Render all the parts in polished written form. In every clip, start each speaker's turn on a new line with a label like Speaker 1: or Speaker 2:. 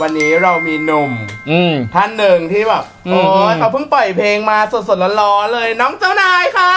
Speaker 1: วันนี้เรามีหนุ่มท่านหนึ่งที่แบบโอ้ยเขาเพิ่งปล่อยเพลงมาสดๆร้อนๆเลยน้องเจ้านายค่ะ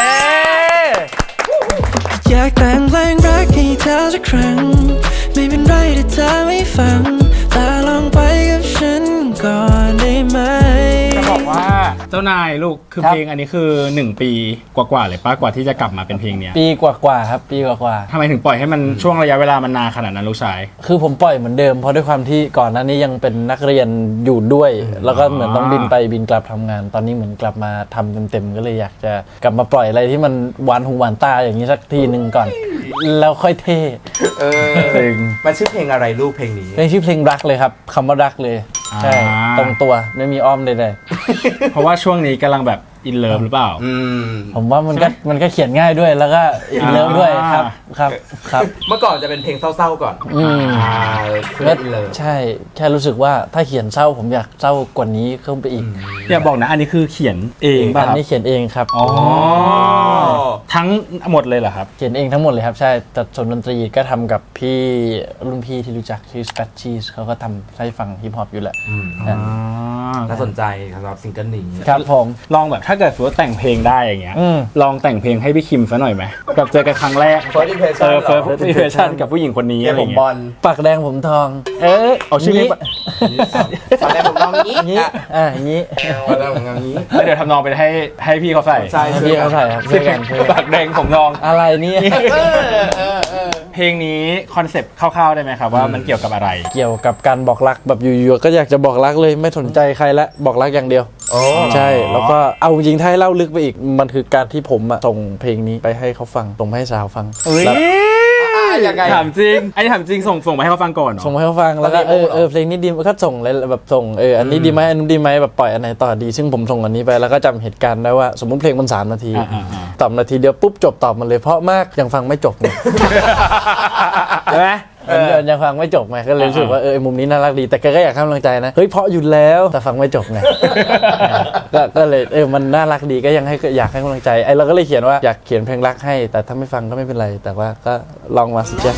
Speaker 2: อยากแต่งเพลงรักให้เธอสักครั้งไม่เป็นไรถ้าเธอไม่ฟังแต่ลองไปกับฉันก่อนได้ไหม
Speaker 3: จะบอกว่าเจ้านายลูกคือเพลงอันนี้คือ1 ปีกว่าๆเลยป้ากว่าที่จะกลับมาเป็นเพลงเนี้ย
Speaker 4: ปีกว่าๆครับปีกว่า
Speaker 3: ทำไมถึงปล่อยให้มันช่วงระยะเวลามันนานขนาดนั้นลูกชาย
Speaker 4: คือผมปล่อยเหมือนเดิมเพราะด้วยความที่ก่อนหน้านี้ยังเป็นนักเรียนอยู่ด้วยแล้วก็เหมือนต้องบินไปบินกลับทำงานตอนนี้เหมือนกลับมาทำเต็มๆก็เลยอยากจะกลับมาปล่อยอะไรที่มันหวานหูหวานตาอย่างนี้สักทีนึงก่อนแล้วค่อยเท่
Speaker 1: มันชื่อเพลงอะไรลูกเพลงนี้
Speaker 4: เพลงชื่อเพลงรักเลยครับคำว่ารักเลยใช่ตรงตัวไม่มีอ้อมใด
Speaker 3: ๆเพราะว่าช่วงนี้กำลังแบบอินเลิฟหรือเปล่า
Speaker 4: ผมว่ามันก็เขียนง่ายด้วยแล้วก็อินเลิฟด้วยครับ
Speaker 1: เมื่อก่อนจะเป็นเพลงเศร้าๆก่อน
Speaker 4: ใช่แค่รู้สึกว่าถ้าเขียนเศร้าผมอยากเศร้ากว่านี้ขึ้นไปอีก
Speaker 3: อย่าบอกนะอันนี้คือเขียนเองป่ะครับ
Speaker 4: อันนี้เขียนเองครับ
Speaker 3: ทั้งหมดเลยเหรอครับ
Speaker 4: เขียนเองทั้งหมดเลยครับใช่แต่ส่วนดนตรีก็ทำกับพี่รุ่นพี่ที่รู้จักชื่อ Spatchies เขาก็ทำให้ฟังฮิปฮอปอยู่แหละ
Speaker 1: น่าสนใจสำหรับซิงเกิลนี้
Speaker 4: ครับผม
Speaker 3: ลองแบบถ้าเกิดว่าแต่งเพลงได้อย่างเงี้ยลองแต่งเพลงให้พี่คิมซะหน่อยไหมแบบเจอกันครั้งแรก
Speaker 1: First
Speaker 3: impression กับผู้หญิงคนนี้อะไรเงี้ย
Speaker 4: ปากแดงผมทอง
Speaker 3: เอาชื่อนี้
Speaker 1: ปากแดงผมทองนี้
Speaker 4: อย่างนี้
Speaker 1: ปากแดงผมทองนี้
Speaker 3: เดี๋ยวทำนองไปให้พี่เขาใส่
Speaker 4: ใช่พี่เขาใส่ครับ
Speaker 3: ปากแดงผมทอง
Speaker 4: อะไรนี่
Speaker 3: เพลงนี้คอนเซปต์คร่าวๆได้ไหมครับว่ามันเกี่ยวกับอะไร
Speaker 4: เกี่ยวกับการบอกรักแบบอยู่ๆก็อยากจะบอกรักเลยไม่สนใจใครละบอกรักอย่างเดียวใช่แล้วก็เอาจริงถ้าให้เล่าลึกไปอีกมันคือการที่ผมส่งเพลงนี้ไปให้เขาฟังส่งให้สาวฟัง
Speaker 1: ยังไง
Speaker 3: ถามจริงไอ้ถามจริงส่งไปให้เขาฟังก่อน
Speaker 4: ส่งให้เขาฟังแล้วก็เพลงนี้ดีก็ส่งเลยแบบส่งอันนี้ดีไหมอันนู้นดีไหมแบบปล่อยอันไหนต่อดีซึ่งผมส่งอันนี้ไปแล้วก็จำเหตุการณ์ได้ว่าสมมุติเพลงมัน3 นาทีตอบนาทีเดียวปุ๊บจบตอบมันเลยเพราะมากยังฟังไม่จบเลยใช่ไหมยังฟังไม่จบไงก็เลยรู้สึกว่ามุมนี้น่ารักดีแต่แกก็อยากให้กำลังใจนะเฮ้ยเพราะอยู่แล้วแต่ฟังไม่จบไงก็เลยมันน่ารักดีก็ยังอยากให้กำลังใจเราก็เลยเขียนว่าอยากเขียนเพลงรักให้แต่ถ้าไม่ฟังก็ไม่เป็นไรแต่ว่าก็ลองมาสิจ๊ะ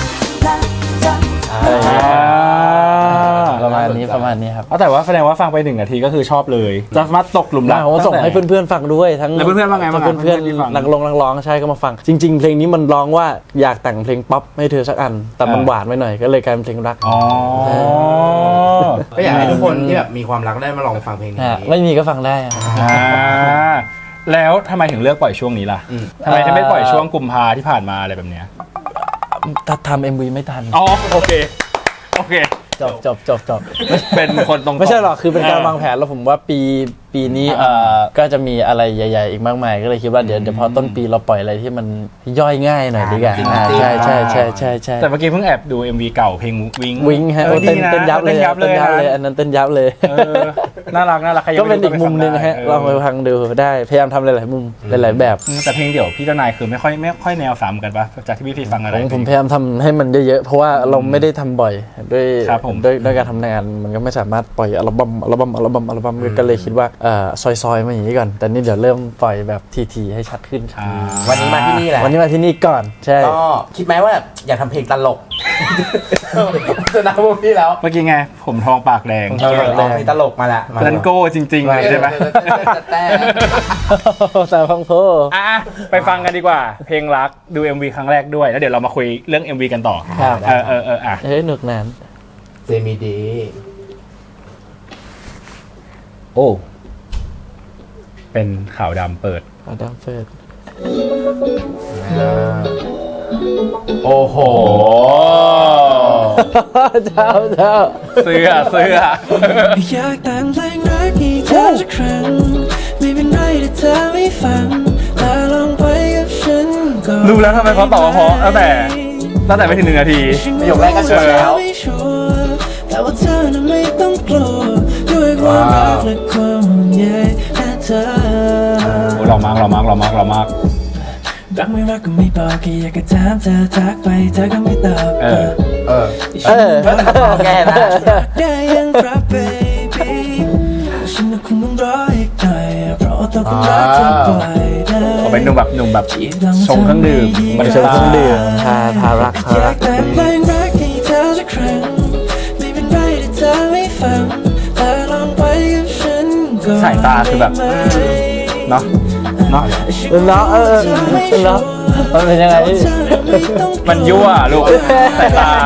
Speaker 4: ประมาณนี้ครับ
Speaker 3: แต่ว่าแสดงว่าฟังไป1 นาทีก็คือชอบเลยจะสามารถตกหลุมรัก
Speaker 4: ผมส่งให้เพื่อนๆฟังด้วยทั้ง
Speaker 3: เพื่อนๆว่าไงบ้าง
Speaker 4: เพื่อนๆนักร้องใช่ก็มาฟังจริงๆเพลงนี้มันร้องว่าอยากแต่งเพลงป๊อปให้เธอสักอันแต่มันหวานไปหน่อยก็เลยกลายเป็นเพลงรัก
Speaker 1: ก็อยากให้ทุกคนที่แบบมีความรักได้มาลองฟังเพลงนี้
Speaker 4: ไม่มีก็ฟังได้
Speaker 3: แล้วทำไมถึงเลือกปล่อยช่วงนี้ล่ะทำไมไม่ปล่อยช่วงกุมภาที่ผ่านมาอะไรแบบเนี้ย
Speaker 4: ทำ MV ไม่ทัน
Speaker 3: โอเคจบเป็นคนตรง
Speaker 4: ไม่ใช่หรอกคือเป็นการวางแผนแล้วผมว่าปีนี้ก็จะมีอะไรใหญ่ๆอีกมากมายก็เลยคิดว่าเดี๋ยวพอต้นปีเราปล่อยอะไรที่มันย่อยง่ายหน่อยดีกว่าใช่
Speaker 3: แต่เมื่อกี้เพิ่งแอบดู MV เก่าเพลง
Speaker 4: วิงฮะเต้นยับเลยอันนั้นเต้นยับเลย
Speaker 3: น่ารัก
Speaker 4: ก็เป็นอีกมุมนึงฮะลองไปฟังดูได้พยายามทำหลายๆมุมหลายๆแบบ
Speaker 3: แต่เพลงเดี่ยวพี่เจ้านายคือไม่ค่อยแนวซ้ำกันปะจากที่พี่ฟังอะไร
Speaker 4: ผมพยายามทำให้มันเยอะๆเพราะว่าเราไม่ได้ทำบ่อยด้วยการทำงานมันก็ไม่สามารถปล่อยอัลบั้มก็เลยคิดว่าซอยมาอย่างนี้ก่อนแต่นี่เดี๋ยวเริ่มปล่อยแบบทีให้ชัดขึ้น
Speaker 1: วันนี้มาที่นี่แหละ
Speaker 4: วันนี้มาที่นี่ก่อนใช่
Speaker 1: ก็คิดไหมว่าอยากทำเพลงตลกจะนับพวกพี่แล้ว
Speaker 3: เมื่อกี้ไงผมทองปากแดง
Speaker 1: เพลงตลกมาละ
Speaker 3: นันโก้จริงๆเลยใช่ไหม
Speaker 4: แต่ฟังโพ
Speaker 3: ไปฟังกันดีกว่าเพลงรักดู MV ครั้งแรกด้วยแล้วเดี๋ยวเรามาคุยเรื่อง MV กันต่อ
Speaker 4: หนุกนาน
Speaker 1: เจมีดี
Speaker 3: โอ้เป็นขาวดำเปิด
Speaker 1: โอ้โห
Speaker 4: เจ้า
Speaker 3: เสื้อ
Speaker 2: อยากแต่งเพลงรักให้เธอสักครั้งไม่เป็นไรถ้าเธอไม่ฟังแต่ลองไปกับฉันก่อน
Speaker 3: รู้แล้วทำไมเขาตอบเพราะตั้งแต่ไม่ถึง1 นาที
Speaker 1: ประโยคแรกก็เชื่อแล้ว
Speaker 2: แต่ว่าเธอน่ะไม่ต้องกลัวด้วยความรักและความห่วงใยและเธอ
Speaker 3: หล่อมาก
Speaker 2: รักไม่รักก็ไม่บอกแค่อยากจะถามเธอทักไปเธอก็ไม่ตอบ
Speaker 1: แก่นะ
Speaker 2: ได้ยังครับ baby ฉันคงต้องรออีกหน่อยเพราะว่าต้องรักเธอปล่อยได้
Speaker 3: เขาเป็นหนุ่มแบบชงเครื่องดื่ม
Speaker 4: มันชงเครื่องดื่มทารัก
Speaker 2: ฟังแต่ลองไปกับฉันก่อน
Speaker 3: สายตาคือแบบ เนาะเนาะ
Speaker 4: เนาะเนาะมันเป็นยังไง
Speaker 3: มันยั่วลูกสายตา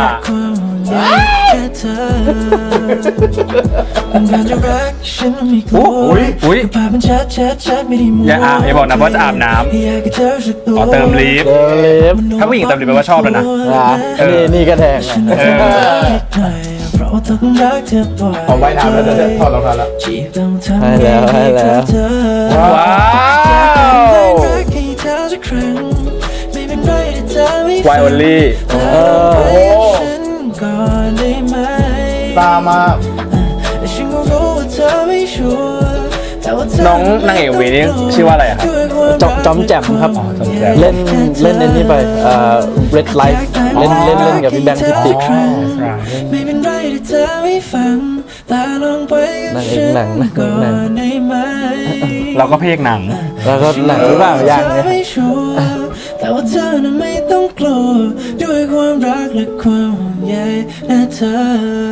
Speaker 3: อุ๊ย อย่าอย่าบอกนะว่าจะอาบน้ำอ๋อเติมลิฟต์ ถ้าผู้หญิงเติมลิฟต์แปลว่าชอบแล้วนะ
Speaker 4: นี่ก็แทง
Speaker 1: พอว่ายน้ำแล้วจะถอดรองเท้าแล้ว
Speaker 4: ให้แล้ว
Speaker 3: ว้าวไวโอลี่
Speaker 1: ตามมา
Speaker 3: น้องนางเอกวีนี่ชื่อว่าอะไรอะครับ
Speaker 4: จอมแจ่มครับ
Speaker 3: จอมแจ่ม
Speaker 4: เล่นในนี้ไปRed Light เล่นกับพี่แบงค์ทิติ
Speaker 2: ไม่เป็นไรที่เธอไม่ฟังแต่ลองไปกับฉันก่อนได้ไหม
Speaker 3: เราก็เพลงหนัง
Speaker 4: แล้วก็หนังหรือเปล่ายังไง
Speaker 2: ไม่ชัวร์แต่ว่าเธอน่ะไม่ต้องกลัวด้วยความรักและความห่วงใยนะเธอ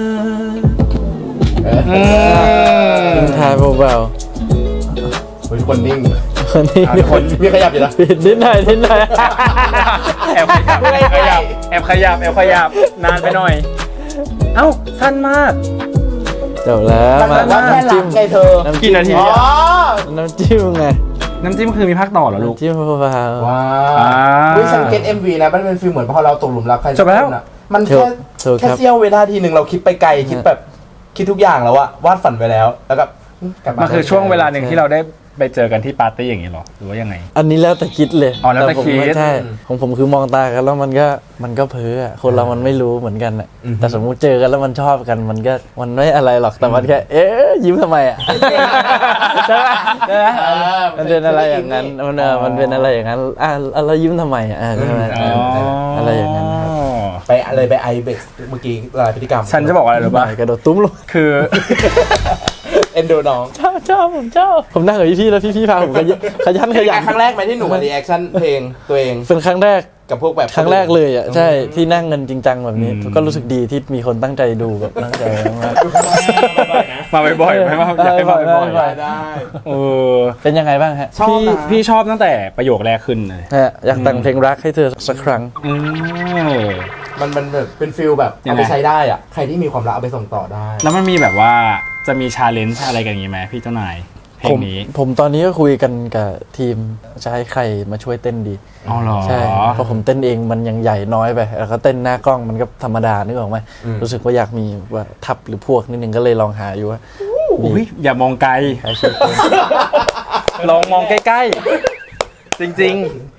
Speaker 4: ทิ้งท้ายเบา
Speaker 1: เฮ้ยคนนิ่ง
Speaker 4: ๆคนนี้
Speaker 1: คนมีขยับอยู่นะ
Speaker 4: ปิดนิดหน่อย
Speaker 3: แอบขยับนานไปหน่อย เอ้าสั้นมาก
Speaker 4: จบแล้วมา
Speaker 1: ว่าแค่หลั
Speaker 4: จิ้
Speaker 1: ง
Speaker 4: ม
Speaker 1: ไงเธอ
Speaker 3: กี่นาที
Speaker 1: อ๋อ
Speaker 4: น้ำจิ้มไง
Speaker 3: น้ำจิ้มคือมีภาคต่อเหรอลูก
Speaker 4: จิ้มเบา
Speaker 1: ว้า
Speaker 3: อ่า
Speaker 1: วิฉันเก็ต MV นะมันเป็นฟีลเหมือนพอเราตกหลุมรักใคร
Speaker 3: จบแล้ว
Speaker 1: สักคนอะมัน
Speaker 4: ถู
Speaker 1: แค่
Speaker 4: กครับ
Speaker 1: เสี้ยวเวลาทีหนึ่งเราคิดไปไกลคิดแบบคิดทุกอย่างแล้วอะวาดฝันไปแล้วแล้วก็กลับ
Speaker 3: มันคือช่วงเวลาหนึ่งที่เราได้ไปเจอกันที่ปาร์ตี้อย่างนี้เหรอ หรือว่ายังไง
Speaker 4: อันนี้แล้วแต่คิดเลย
Speaker 3: อ๋อแล้วแต่
Speaker 4: ผม
Speaker 3: คิด
Speaker 4: ไม่ใช่ของผมคือมองตากันแล้วมันก็เพ้ออะคนเรามันไม่รู้เหมือนกันอะแต่สมมุติเจอกันแล้วมันชอบกันมันไม่อะไรหรอกแต่มันแค่ยิ้มทำไมอะใช่ไหมมันเป็นอะไรอย่างนั้นมันเป็นอะไรอย่างนั้นเรายิ้มทำไมอะใช่ไหมอะไรอย่างนั้นครับ
Speaker 1: ไปอะไรไปไอเบกเมื่อกี้ลายพฤติกรรม
Speaker 3: ฉันจะบอกอะไรรู้ป่ะ
Speaker 4: กระโดดตุ้มลง
Speaker 3: คือ
Speaker 1: เอ็นดูน้อง
Speaker 4: ชอบผมนั่งกับพี่ๆแล้วพี่ๆพาผมขยัน
Speaker 1: ครั้งแรกไหมที่หนูมารีแอคชั่นเพลงตัวเอง
Speaker 4: เป็นครั้งแรก
Speaker 1: กับพวกแบบ
Speaker 4: ครั้งแรกเลยอ่ะใช่ที่นั่งเงินจริงจังแบบนี้ก็รู้สึกดีที่มีคนตั้งใจดูแบบตั้งใจมาก
Speaker 3: มาบ่อยๆไหมว่าอยากให้มาบ่อย
Speaker 1: ได้
Speaker 3: ๆเออ
Speaker 4: เป็นยังไงบ้างฮะ
Speaker 1: ชอบนะ
Speaker 3: พี่ชอบตั้งแต่ประโยคแรกขึ้นเลย
Speaker 4: ฮะอยากแต่งเพลงรักให้เธอสักครั้ง
Speaker 1: มันแบบเป็นฟิลแบบ
Speaker 3: ยัง
Speaker 1: เอา
Speaker 3: ไง
Speaker 1: ไปใช้ได้อะใครที่มีความรักเอาไปส่งต่อได้
Speaker 3: แล้วมันมีแบบว่าจะมีชาเลนจ์อะไรกันอย่างงี้ไหมพี่เจ้านายเพลงนี้
Speaker 4: ผมตอนนี้ก็คุยกันกับทีมจะให้ใครมาช่วยเต้นดี
Speaker 3: อ๋อเหรอ
Speaker 4: ใช่เพราะผมเต้นเองมันยังใหญ่น้อยไปแล้วก็เต้นหน้ากล้องมันก็ธรรมดานึกออกไหมรู้สึกว่าอยากมีว่าทับหรือพวกนิดนึงก็เลยลองหาอยู่ว่า
Speaker 3: อุ้ยอย่ามองไกล
Speaker 4: ใครช่วยเต้น
Speaker 3: ลองมองใกล้ๆ จริง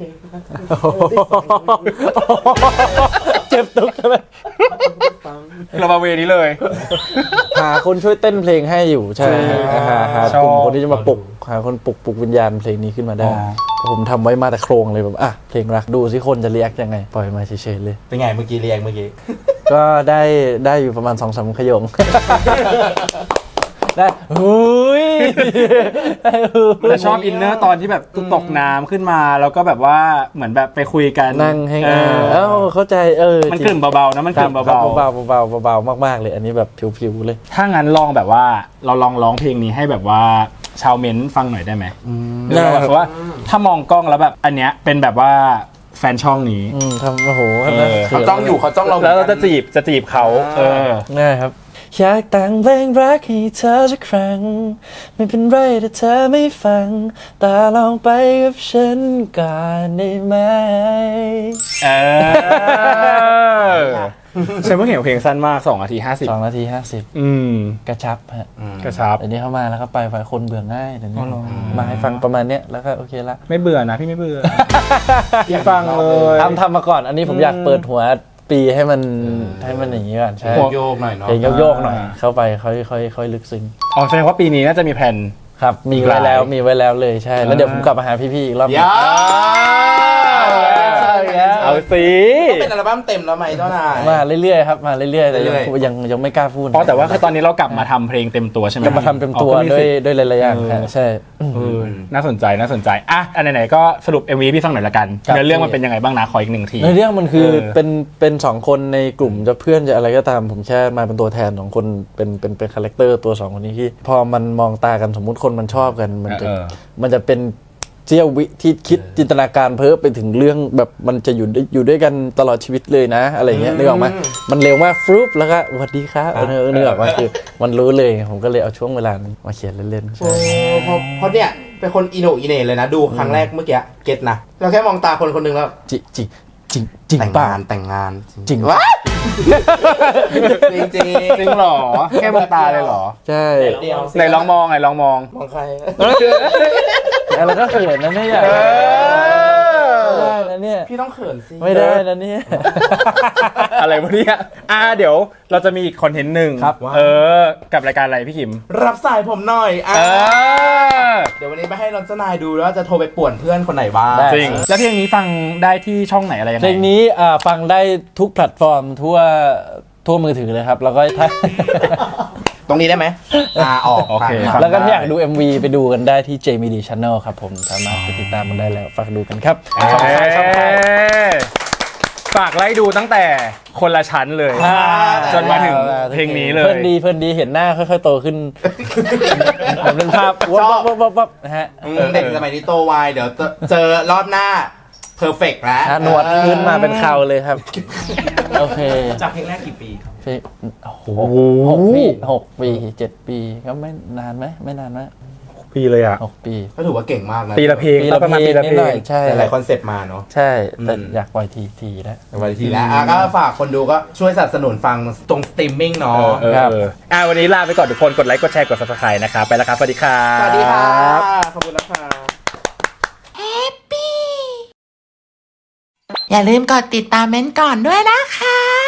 Speaker 4: เจ็บตุกใช่ไหม
Speaker 3: ๆ เรามาเวนี้เลย
Speaker 4: หาคนช่วยเต้นเพลงให้อยู่ใช่หากลุ่มคนที่จะมาปลุกหาคนปลุกวิญญาณเพลงนี้ขึ้นมาได้ ผมทำไว้มาแต่โครงเลยแบบเพลงรักดูสิคนจะเรียกยังไงปล่อยมาเฉยๆเลย
Speaker 1: เป็นไงเมื่อกี้เรียงเมื่อกี้
Speaker 4: ก็ได้อยู่ประมาณ 2-3 ขยง ได้หุย
Speaker 3: แต่ชอบอินเนอร์ตอนที่แบบตกน้ำขึ้นมาแล้วก็แบบว่าเหมือนแบบไปคุยกัน
Speaker 4: นั่งให้ เข้าใจ
Speaker 3: มันกลิ่นเบาๆนะมันกลิ่นเบา
Speaker 4: เบามากๆเลยอันนี้แบบผิวๆเลย
Speaker 3: ๆถ้างั้นลองแบบว่าเราลองร้องเพลงนี้ให้แบบว่าชาวเม้นฟังหน่อยได้ไหมแบบว่าถ้ามองกล้องแล้วแบบอันเนี้ยเป็นแบบว่าแฟนช่องนี้
Speaker 4: ทำโอ้โห
Speaker 1: เขาจ้องอยู่เขาจ้องเรา
Speaker 3: แล้วเราจะจีบเขา
Speaker 4: ง่ายครับอยากแต่งเพลงรักให้เธอสักครั้งไม่เป็นไรถ้าเธอไม่ฟังแต่ลองไปกับฉันก่อนได้ไหม
Speaker 3: ฉันเพิ่งเห็นเพลงสั้นมาก2 นาที 50
Speaker 4: 2 นาที 50กระชับฮะ
Speaker 3: กระชับ
Speaker 4: อันนี้เข้ามาแล้วก็ไปฝ่ายคนเบื่อง่ายเดี๋ยวนี้มาให้ฟังประมาณเนี้ยแล้วก็โอเคละ
Speaker 3: ไม่เบื่อนะพี่ไม่เบื่อ พี่ฟังเลย
Speaker 4: ทำมาก่อนอันนี้ผมอยากเปิดหัวปีให้มันอย่างนี้ก่อนใช่
Speaker 1: โยกหน่อยเนาะ
Speaker 4: เพลงโยกๆหน่อยเข้าไปค่อยลึกซึ้ง
Speaker 3: อ๋อแสดงว่าปีนี้น่าจะมีแผน
Speaker 4: ครับมีไว้แล้วเลยใช่แล้วเดี๋ยวผมกลับมาหาพี่ๆอีกรอบ
Speaker 1: ยา
Speaker 3: เอาสิ
Speaker 1: ก็เป็นอัลบั้มเต็มแล้วไหมเจ้านาย
Speaker 4: มาเรื่อยๆครับมาเรื่อยๆแต่
Speaker 1: เรื่อยๆ
Speaker 4: ยังไม่กล้าพูด
Speaker 3: เพราะแต่ว่าคือตอนนี้เรากลับมาทำเพลงเต็มตัวใช่ไหม
Speaker 4: จะมาทำเต็มตัว
Speaker 3: อ๋อก็มี
Speaker 4: ด้ว
Speaker 3: สิ
Speaker 4: ย
Speaker 3: ทธิ์
Speaker 4: ด้วยหลายๆอย่างครับใช่
Speaker 3: น่าสนใจอ่ะอันไหนๆก็สรุป MV พี่ฟังหน่อยละกัน
Speaker 4: ครับ
Speaker 3: เนื้อเรื่องมันเป็นยังไงบ้างนะขออีกหนึ่งที
Speaker 4: ในเรื่องมันคือ
Speaker 3: เออ
Speaker 4: เป็นสองคนในกลุ่มจะเพื่อนจะอะไรก็ตามผมแค่มาเป็นตัวแทนของคนเป็นคาแรคเตอร์ตัวสองคนนี้ที่พอมันมองตากันสมมุติคนมันชอบกันมันจะเป็นเสี้ยววิที่คิดจินตนาการเพ้อไปถึงเรื่องแบบมันจะอยู่ด้วยกันตลอดชีวิตเลยนะอะไรเงี้ยนึกออกไหมมันเร็วมากฟรุปแล้วก็สวัสดีครับนึกออกไหมคือมันรู้เลยผมก็เลยเอาช่วงเวลานั้นมาเขียนเล่นๆ
Speaker 1: โอ้
Speaker 4: ใช่
Speaker 1: เพราะเนี่ยเป็นคนอีโหนอีเหน่เลยนะ ดูครั้งแรกเมื่อกี้เก็ตนะเราแค่มองตาคนคนหนึ่งแล้ว
Speaker 4: จริง
Speaker 1: แต่ง
Speaker 4: ป่ะ
Speaker 1: งานแต่งงาน
Speaker 4: จริง
Speaker 1: วะจริงจริง
Speaker 3: จริงเหรอแค่มองตาเลยเหรอ
Speaker 4: ใช่
Speaker 1: เดียว
Speaker 3: ไหนลองมอง
Speaker 1: มองใคร
Speaker 4: แล้วก็เขินนะเนี่ย
Speaker 3: เออ
Speaker 4: ไม่ได้นะเนี่ย
Speaker 1: พี่ต้องเขินสิ
Speaker 4: ไม่ได้นะเนี่ย
Speaker 3: อะไรวะเนี่ยเดี๋ยวเราจะมีอีกคอนเทนต์หนึ่ง
Speaker 4: ครับ
Speaker 3: กับรายการอะไรพี่คิม
Speaker 1: รับสายผมหน่อยอ่ะ
Speaker 3: เออ
Speaker 1: เดี๋ยววันนี้ไปให้รอนเจ้านายดูแล้วว่าจะโทรไปป่วนเพื่อนคนไหนบ้าง
Speaker 4: ได้
Speaker 3: จริง แล้วเพลงนี้ฟังได้ที่ช่องไหนอะไรยังไง
Speaker 4: เพลงนี้ฟังได้ทุกแพลตฟอร์มทั่วมือถือเลยครับ แล้วก็ถ้า
Speaker 1: ตรงนี้ได้ไหมออก
Speaker 3: โอเค
Speaker 1: ฟัง
Speaker 3: ฟัง
Speaker 4: แล้วก็ถ้าอยากดู MV ไปดูกันได้ที่ JMD Channel ครับผมสามารถไปติดตามมันได้แล้วฝากดูกันครับช่องทาง
Speaker 3: ฝากไล่ดูตั้งแต่คนละชั้นเลย จนมาถึงเพลงนี้เลย
Speaker 4: เพื่อนดีเห็นหน้าค่อยๆโตขึ้นผมเป็นภาพวับนะฮะ
Speaker 1: เด็กสมัยนี้โตไวเดี๋ยวเจอรอบหน้าเพอร์เฟกต์แล้ว
Speaker 4: หนวดขึ้นมาเป็นเขาเลยครับ โอเค
Speaker 1: จากเพลงแรกกี่ปีครับ
Speaker 4: เพลงโอ้โห6 ปี 7 ปีก็ไม่นานไหมไม่นานไหม
Speaker 3: ปีเลยอ่ะ
Speaker 4: 6 ปี
Speaker 1: ก็ถือว่าเก่งมากนะ
Speaker 3: ปีละเพลงแล้วประมาณปีละเพล
Speaker 4: นิดหน่
Speaker 3: ง
Speaker 4: อยใช่
Speaker 1: หลายคอนเซปต์มาเนาะ
Speaker 4: ใช่แต่อยากปล่อยทีนะ
Speaker 1: วันทีแล้วก็ฝากคนดูก็ช่วยสนับสนุนฟังตรงสตรีมมิ่งเนาะ
Speaker 4: ครับ
Speaker 3: วันนี้ลาไปก่อนทุกคนกดไลค์กดแชร์กด Subscribe นะครับไปแล้วครับสวัสดีครับ
Speaker 1: สวัสดีค่ะ ขอบคุณนะคะ
Speaker 5: อย่าลืมกดติดตามเม้นท์ก่อนด้วยนะคะ